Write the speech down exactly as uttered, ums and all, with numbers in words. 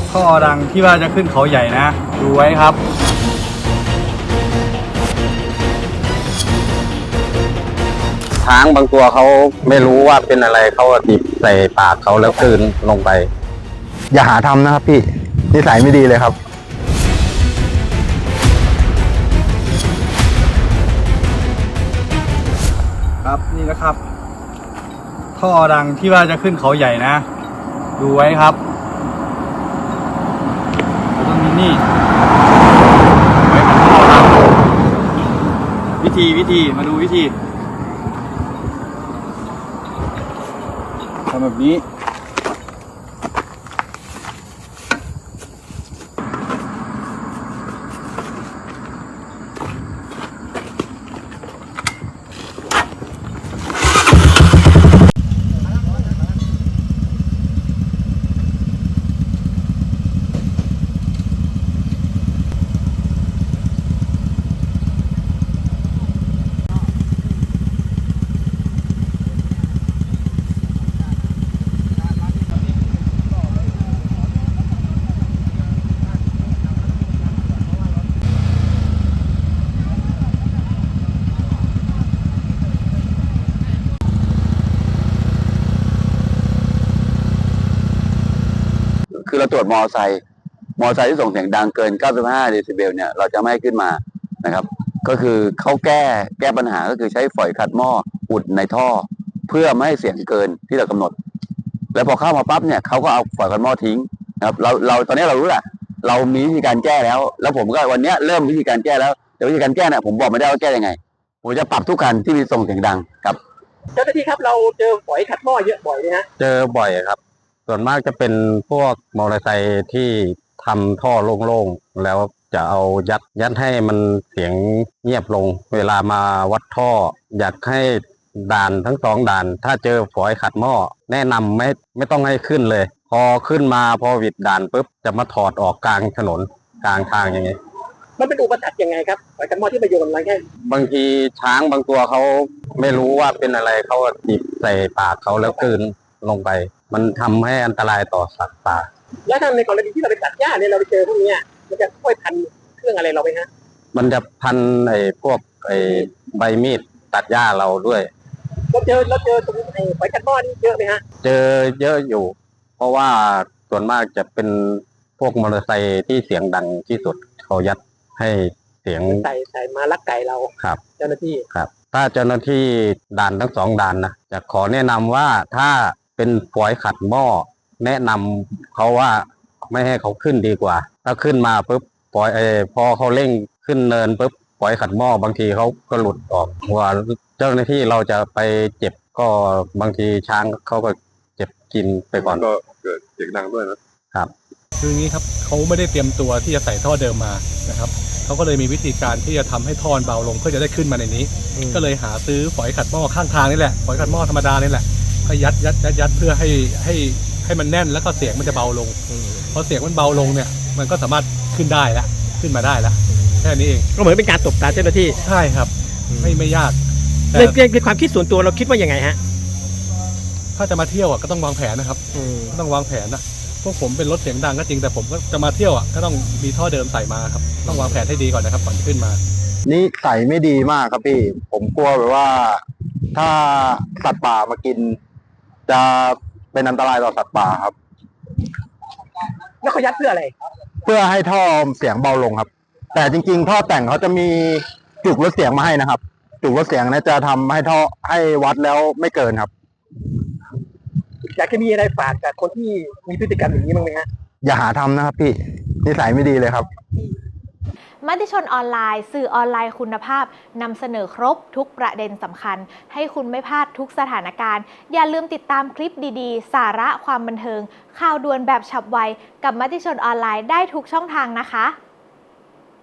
ท่อดังที่ว่าจะขึ้นเขาใหญ่นะดูไว้ครับช้างบางตัวเขาไม่รู้ว่าเป็นอะไรเขาติดใส่ปากเขาแล้วกลืนลงไปอย่าหาทำนะครับพี่นิสัยไม่ดีเลยครับครับนี่นะครับท่อดังที่ว่าจะขึ้นเขาใหญ่นะดูไว้ครับตรงนี้นี่ไว้มันท่อดังวิธีวิธีมาดูวิธีทำแบบนี้คือเราตรวจมอไซค์มอไซค์ที่ส่งเสียงดังเกินเก้าสิบห้าเดซิเบลเนี่ยเราจะไม่ให้ขึ้นมานะครับก็คือเขาแก้แก้ปัญหาก็คือใช้ฝอยขัดหม้ออุดในท่อเพื่อไม่ให้เสียงเกินที่เรากำหนดแล้วพอเข้ามาปั๊บเนี่ยเขาก็เอาฝอยขัดหม้อทิ้งนะครับเราเราตอนนี้เรารู้แหละเรามีวิธีการแก้แล้วแล้วผมก็วันนี้เริ่มวิธีการแก้แล้วแต่วิธีการแก้เนี่ยผมบอกไม่ได้ว่าแก้ยังไงผมจะปรับทุกคันที่มีส่งเสียงดังครับเจ้าหน้าที่ครับเราเจอฝอยขัดหม้อเยอะบ่อยไหมฮะเจอบ่อยครับส่วนมากจะเป็นพวกมอเตอร์ไซค์ที่ทำท่อโล่งๆแล้วจะเอายัดยัดให้มันเสียงเงียบลงเวลามาวัดท่ออยากให้ด่านทั้งสองด่านถ้าเจอฝอยขัดหม้อแนะนำไม่ไม่ต้องให้ขึ้นเลยพอขึ้นมาพอวิดด่านปุ๊บจะมาถอดออกกลางถนนกลางทางอย่างเงี้ยมันเป็นอุปสรรคยังไงครับฝอยขัดหม้อที่มาโยนอะไรแค่บางทีช้างบางตัวเขาไม่รู้ว่าเป็นอะไรเขาติดใส่ปากเขาแล้วกลืนลงไปมันทำให้อันตรายต่อสัตว์ป่าแล้วถ้าในกรณีที่เราไปตัดหญ้าเนี่ยเราไปเจอพวกนี้มันจะช่วยพันเครื่องอะไรเราไหมฮะมันจะพันไอ้พวกไอ้ใบมีดตัดหญ้าเราด้วยเราเจอเราเจอตรงไอ้ฝอยขัดหม้อนี่เยอะไหมฮะเจอเยอะอยู่เพราะว่าส่วนมากจะเป็นพวกมอเตอร์ไซค์ที่เสียงดังที่สุดเขายัดให้เสียงใส่ใส่มาลักไก่เราครับเจ้าหน้าที่ครับถ้าเจ้าหน้าที่ด่านทั้งสองด่านนะจะขอแนะนำว่าถ้าเป็นฝอยขัดหม้อแนะนำเขาว่าไม่ให้เขาขึ้นดีกว่าถ้าขึ้นมาปุ๊บปล่อยเออพอเขาเร่งขึ้นเนินปุ๊บฝอยขัดหม้อบางทีเขาก็หลุดออกว่าเจ้าหน้าที่เราจะไปเจ็บก็บางทีช้างเขาก็เจ็บกินไปก่อนก็เกิดเสียงดังด้วยนะครับคืออย่างนี้ครับเขาไม่ได้เตรียมตัวที่จะใส่ท่อเดิมมานะครับเขาก็เลยมีวิธีการที่จะทำให้ท่อเบาลงเพื่อจะได้ขึ้นมาในนี้ก็เลยหาซื้อฝอยขัดหม้อข้างทางนี่แหละฝอยขัดหม้อธรรมดานี่แหละให้ยัดยัดยัดยัดเพื่อให้ให้ให้มันแน่นแล้วก็เสียงมันจะเบาลงพอเสียงมันเบาลงเนี่ยมันก็สามารถขึ้นได้ละขึ้นมาได้ละแค่นี้เองก็เหมือนเป็นการตบตาเจ้าหน้าที่ใช่ครับไม่ไม่ยากในในความคิดส่วนตัวเราคิดว่ายังไงฮะถ้าจะมาเที่ยวอ่ะก็ต้องวางแผนนะครับก็ต้องวางแผนนะพวกผมเป็นรถเสียงดังก็จริงแต่ผมก็จะมาเที่ยวอ่ะก็ต้องมีท่อเดิมใส่มาครับต้องวางแผนให้ดีก่อนนะครับก่อนจะขึ้นมานี่ใส่ไม่ดีมากครับพี่ผมกลัวแบบว่าถ้าสัตว์ป่ามากินจะเป็นอันตรายต่อสัตว์ป่าครับแล้วเขายัดเพื่ออะไรเพื่อให้ท่อเสียงเบาลงครับแต่จริงๆท่อแต่งเขาจะมีจุกลดเสียงมาให้นะครับจุกลดเสียงนะจะทำให้ท่อให้วัดแล้วไม่เกินครับอยากจะมีอะไรฝากกับคนที่มีพฤติกรรมอย่างนี้บ้างไหมฮะอย่าหาทำนะครับพี่นิสัยไม่ดีเลยครับมติชนออนไลน์สื่อออนไลน์คุณภาพนำเสนอครบทุกประเด็นสำคัญให้คุณไม่พลาดทุกสถานการณ์อย่าลืมติดตามคลิปดีๆสาระความบันเทิงข่าวด่วนแบบฉับไวกับมติชนออนไลน์ได้ทุกช่องทางนะคะ